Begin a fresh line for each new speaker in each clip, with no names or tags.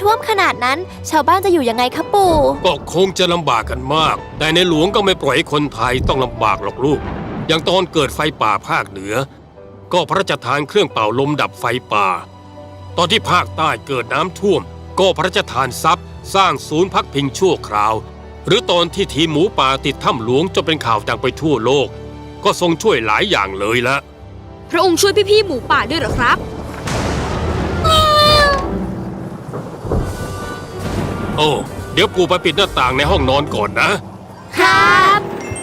ท่วมขนาดนั้นชาวบ้านจะอยู่ยังไงคะปู่
ก็คงจะลำบากกันมากแต่ในหลวงก็ไม่ปล่อยให้คนไทยต้องลำบากหรอกลูกอย่างตอนเกิดไฟป่าภาคเหนือก็พระราชทานเครื่องเป่าลมดับไฟป่าตอนที่ภาคใต้เกิดน้ำท่วมก็พระราชทานทรัพย์สร้างศูนย์พักพิงชั่วคราวหรือตอนที่ทีมหมูป่าติดถ้ำหลวงจนเป็นข่าวดังไปทั่วโลกก็ทรงช่วยหลายอย่างเลยละ
พระองค์ช่วยพี่ๆหมูป่าด้วยเหรอครับ
โอ้เดี๋ยวปู่ไปปิดหน้าต่างในห้องนอนก่อน
นะครับ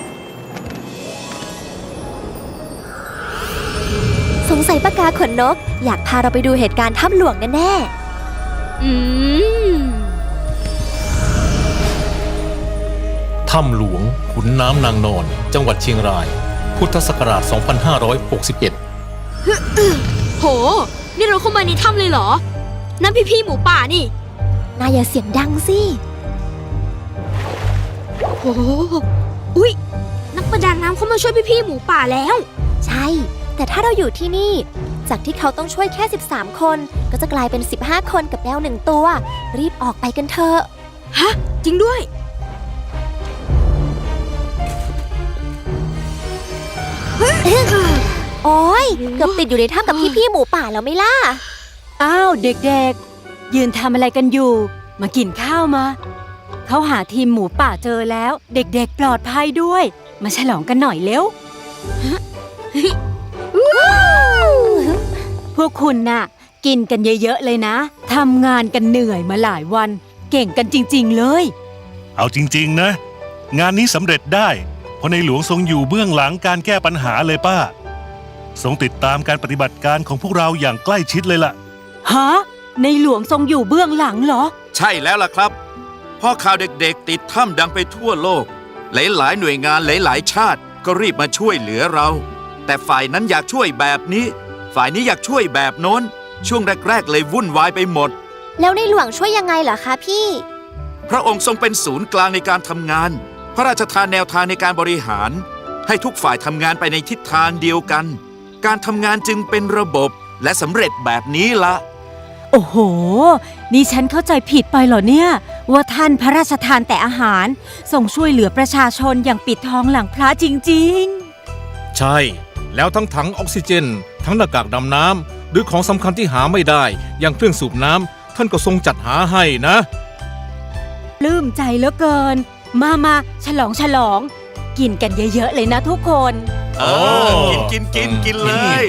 สงสัยปากกาขนนกอยากพาเราไปดูเหตุการณ์ถ้ำหลวงแน่
ถ้ำหลวงขุนน้ำนางนอนจังหวัดเชียงรายพุทธศักราช 2561
โหนี่เราเข้ามาในถ้ำเลยเหรอนั่นพี่ๆหมูป่านี่
นายอย่าเสียงดังสิ
โหอุ๊ยนักประดาน้ำเข้ามาช่วยพี่ๆหมูป่าแล้ว
ใช่แต่ถ้าเราอยู่ที่นี่จากที่เขาต้องช่วยแค่13คนก็จะกลายเป็น15คนกับแมว1ตัวรีบออกไปกันเถอะ
ฮะจริงด้วย
โอ้ยเกือบติดอยู่ในถ้ำกับพี่ๆหมูป่าแล้วไม่ล่ะ
อ้าวเด็กๆยืนทำอะไรกันอยู่มากินข้าวมาเขาหาทีมหมูป่าเจอแล้วเด็กๆปลอดภัยด้วยมาฉลองกันหน่อยเร็วพวกคุณน่ะกินกันเยอะๆเลยนะทำงานกันเหนื่อยมาหลายวันเก่งกันจริงๆเลย
เอาจริงๆนะงานนี้สำเร็จได้เพราะในหลวงทรงอยู่เบื้องหลังการแก้ปัญหาเลยป้าทรงติดตามการปฏิบัติการของพวกเราอย่างใกล้ชิดเลยล่ะ
ฮะในหลวงทรงอยู่เบื้องหลังเหรอ
ใช่แล้วล่ะครับพอข่าวเด็กๆติดถ้ำดังไปทั่วโลกหลายๆหน่วยงานหลายๆชาติก็รีบมาช่วยเหลือเราแต่ฝ่ายนั้นอยากช่วยแบบนี้ฝ่ายนี้อยากช่วยแบบโน้นช่วงแรกๆเลยวุ่นวายไปหมด
แล้วในหลวงช่วยยังไงเหรอคะพี่
พระองค์ทรงเป็นศูนย์กลางในการทำงานพระราชทานแนวทางในการบริหารให้ทุกฝ่ายทำงานไปในทิศทางเดียวกันการทำงานจึงเป็นระบบและสำเร็จแบบนี้ละ
โอ้โหนี่ฉันเข้าใจผิดไปเหรอเนี่ยว่าท่านพระราชทานแต่อาหารส่งช่วยเหลือประชาชนอย่างปิดทองหลังพระจริง
ๆใช่แล้วทั้งถังออกซิเจนทั้งหน้ากากดำน้ำหรือของสำคัญที่หาไม่ได้อย่างเครื่องสูบน้ำท่านก็ทรงจัดหาให้นะ
ปลื้มใจเหลือเกินมาฉลองกินกันเยอะๆเลยนะทุกคน
กินเลย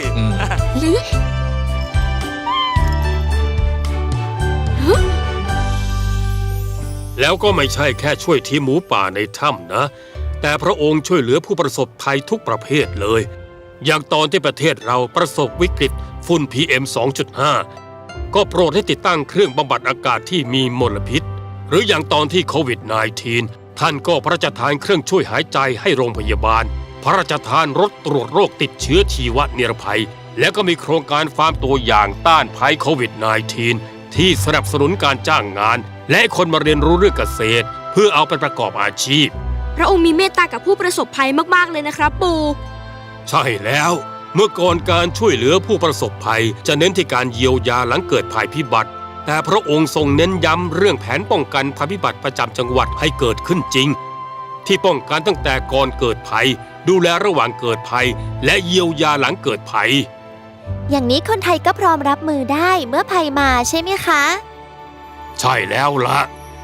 แล้วก็ไม่ใช่แค่ช่วยทีมหมูป่าในถ้ำนะแต่พระองค์ช่วยเหลือผู้ประสบภัยทุกประเภทเลยอย่างตอนที่ประเทศเราประสบวิกฤตฝุ่น PM 2.5 ก็โปรดให้ติดตั้งเครื่องบำบัดอากาศที่มีมลพิษหรืออย่างตอนที่โควิด -19 ท่านก็พระราชทานเครื่องช่วยหายใจให้โรงพยาบาลพระราชทานรถตรวจโรคติดเชื้อชีวนิรภัยและก็มีโครงการฟาร์มตัวอย่างต้านภัยโควิด -19 ที่สนับสนุนการจ้างงานและคนมาเรียนรู้เรื่องเกษตรเพื่อเอาไปประกอบอาชีพ
พระองค์มีเมตตากับผู้ประสบภัยมากๆเลยนะครับปู่
ใช่แล้วเมื่อก่อนการช่วยเหลือผู้ประสบภัยจะเน้นที่การเยียวยาหลังเกิดภัยพิบัติแต่พระองค์ทรงเน้นย้ำเรื่องแผนป้องกันภัยพิบัติประจำจังหวัดให้เกิดขึ้นจริงที่ป้องกันตั้งแต่ก่อนเกิดภัยดูแลระหว่างเกิดภัยและเยียวยาหลังเกิดภัย
อย่างนี้คนไทยก็พร้อมรับมือได้เมื่อภัยมาใช่ไหมคะ
ใช่แล้วล่ะ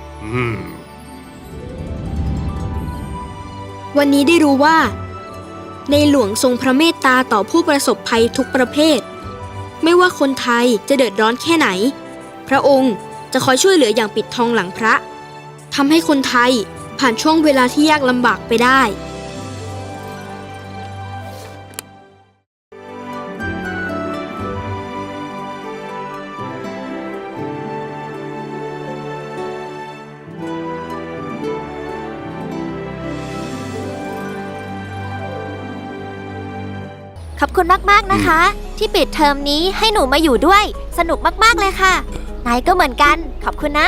วันนี้ได้รู้ว่าในหลวงทรงพระเมตตาต่อผู้ประสบภัยทุกประเภทไม่ว่าคนไทยจะเดือดร้อนแค่ไหนพระองค์จะคอยช่วยเหลืออย่างปิดทองหลังพระทำให้คนไทยผ่านช่วงเวลาที่ยากลำบากไปได้
ขอบคุณมากๆนะคะที่ปิดเทอมนี้ให้หนูมาอยู่ด้วยสนุกมากๆเลยค่ะนายก็เหมือนกันขอบคุณนะ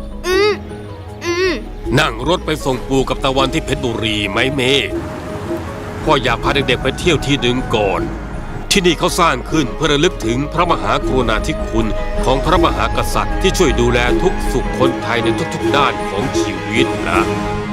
นั่งรถไปส่งปู่กับตะวันที่เพชรบุรีไหมเมย์พ่ออยากพาเด็กๆไปเที่ยวที่หนึ่งก่อนทที่นี่เขาสร้างขึ้นเพื่อระลึกถึงพระมหากรุณาธิคุณของพระมหากษัตริย์ที่ช่วยดูแลทุกสุขคนไทยในทุกๆด้านของชีวิตนะ